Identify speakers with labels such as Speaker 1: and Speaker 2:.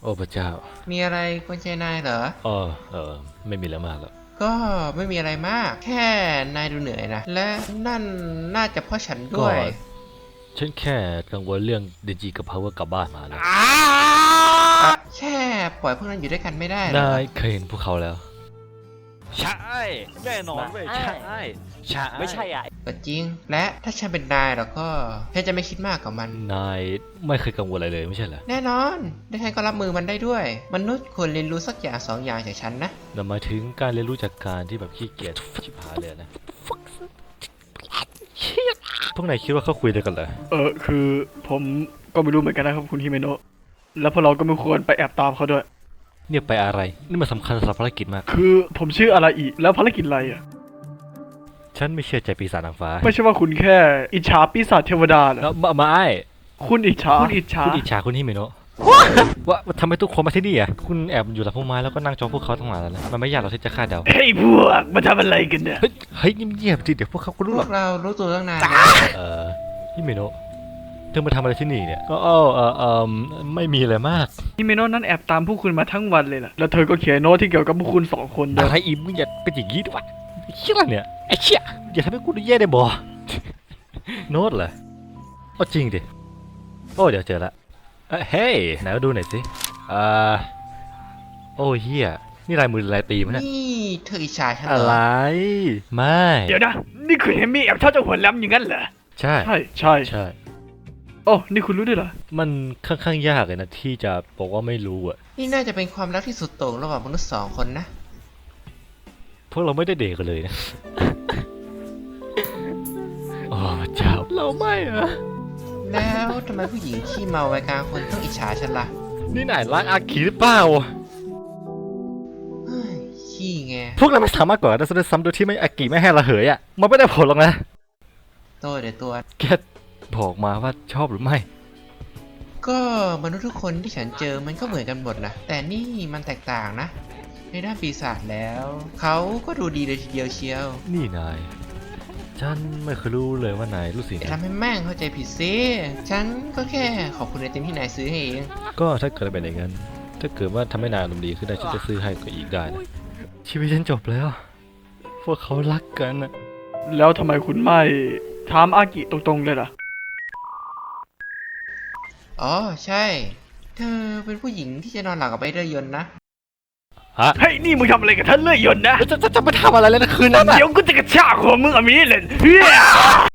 Speaker 1: อ้พระเจ้า
Speaker 2: มีอะไรคนใจนายเหรอ
Speaker 1: ไม่มีแล้วมากแล้ว
Speaker 2: ก็ไม่มีอะไรมากแค่นายดูเหนื่อยนะและนั่นน่าจะเพราะฉันด้วย
Speaker 1: ฉันแค่กังวลเรื่องเดจิกับพาวเวอร์กลับบ้านมาแล้ว
Speaker 2: แค่ปล่อยพวกนั้นอยู่ด้วยกันไม่ได้หรอ
Speaker 1: นายเคยเห็นพวกเขาแล้ว
Speaker 3: ใช่แน่นอนเว้ยใช่ไม่ใช่อ่ะ
Speaker 2: ก็จริงและถ้าฉันเป็นนายแล้วก็ฉันจะไม่คิดมากกับมัน
Speaker 1: นายไม่เคยกังวลอะไรเลยไม่ใช่เหรอ
Speaker 2: แน่นอนและฉันก็รับมือมันได้ด้วยมนุษย์ควรเรียนรู้สักอย่างสองอย่างจากฉันนะ
Speaker 1: นั่นหมายถึงการเรียนรู้จากการที่แบบขี้เกียจชิบหายเลยนะพวกนายคิดว่าเขาคุยได้กันเหรอ
Speaker 4: คือผมก็ไม่รู้เหมือนกันนะครับคุณฮิเมโนะแล้วพวกเราก็ไม่ควรไปแอบตามเขาด้วย
Speaker 1: เนี่ยไปอะไรนี่มันสำคัญสำหรับภารกิจมาก
Speaker 4: คือผมชื่ออาราอิแล้วภารกิจอะไรอ่ะ
Speaker 1: ฉันไม่เชื่อใจปีศาจนางฟ้า
Speaker 4: ไม่ใช่ว่าคุณแค่อิจฉาปีศาจเทวดาเหรอ
Speaker 1: ไม่
Speaker 4: คุณอิจฉา
Speaker 1: คุณฮิเมโนะว่าทำไมทุกคนมาที่นี่อ่ะคุณแอบอยู่หลังพุ่มไม้แล้วก็นั่งจ้องพวกเขาทั้งหลายแล้วนะมันไม่ยากหรอกที่จะคาดเดา
Speaker 4: เฮ้ยพวกมาทำอะไรกันเนี่ย
Speaker 1: เฮ้ยเงียบๆดิเดี๋ยวพวกเขาก็รู้หรอก
Speaker 2: เรารู้ตัวตั้งนาน
Speaker 1: ฮิเมโนะเธอมาทำอะไรที่นี่เนี่ยก็ไม่มีอะไรมาก
Speaker 4: ฮิเมโนะนั้นแอบตามพวกคุณมาทั้งวันเลยล่ะแล้วเธอก็เขียนโน้ตที่เกี่ยวกับพวกคุณ2 คน
Speaker 1: อะไรอิมมึงอย่าเป็นอย่างนี้ด้วยเชี่ยเนี่ยไอ้เชี่ยอย่าทำให้กูแย่ได้บ่โน้ตเหรอจริงดิเดี๋ยวเจอละเฮ้ยไหนมาดูหน่อยสิโอ้เฮียนี่ลายมือลายตีมั้ย
Speaker 2: นี่เธออิจฉาฉันเหรอ
Speaker 1: อะไรไม่
Speaker 4: เดี๋ยวนะนี่คุณเฮมี่แอบชอบเจ้าหัวแหลมอย่างนั้นเหรอ
Speaker 1: ใช่
Speaker 4: โอ้นี่คุณรู้ด้วยเหรอ
Speaker 1: มันค่อนข้างยากเลยนะที่จะบอกว่าไม่รู้อ่ะ
Speaker 2: นี่น่าจะเป็นความรักที่สุดโต่งระหว่างมนุษย์2 คนนะ
Speaker 1: พวกเราไม่ได้เดทกันเลยนะโอ้เจ้าเราไม่อะ
Speaker 2: แล้วทำไมผู้หญิงขี้เมาวัยกลางคนต้องอิจฉาฉันล่ะ
Speaker 1: นี่ไหนรักอากิหรือเปล่า
Speaker 2: ขี้ไง
Speaker 1: พวกเราไม่สามารถก่อได้ซ้ำโดยที่ไม่อากิไม่ให้ระเหยอ่ะมันไม่ได้ผลหรอกนะ
Speaker 2: เดี๋ยวตัว
Speaker 1: แกบอกมาว่าชอบหรือไม่
Speaker 2: ก็มนุษย์ทุกคนที่ฉันเจอมันก็เหมือนกันหมดนะแต่นี่มันแตกต่างนะในด้านปีศาจแล้วเขาก็ดูดีเลยทีเดียวเชียว
Speaker 1: นี่นายฉันไม่เคยรู้เลยว่านายรู้สึก
Speaker 2: ทำให้แม่งเข้าใจผิดซิฉันก็แค่ขอบคุณในเต็มที่นายซื้อให้เอง
Speaker 1: ก็ถ้าเกิดเป็นอย่างนั้นถ้าเกิดว่าทำให้นายอารมณ์ดีขึ้นได้ฉันจะซื้อให้ก็อีกได้นะชีวิตฉันจบแล้วพวกเขารักกันนะ
Speaker 4: แล้วทำไมคุณไม่ถามอากิตรงๆเลยล่ะ
Speaker 2: ใช่เธอเป็นผู้หญิงที่จะนอนหลับกับไอ้เรือยนต์นะ
Speaker 4: เฮ้ยนี่มึงทำอะไรกับท่านเลื่อยยนต์นะ
Speaker 1: จะไปทำอะไรแล้วนะคืนนั้น
Speaker 4: เดี๋ยวกูจะกระชากหัวมึงอมีเลย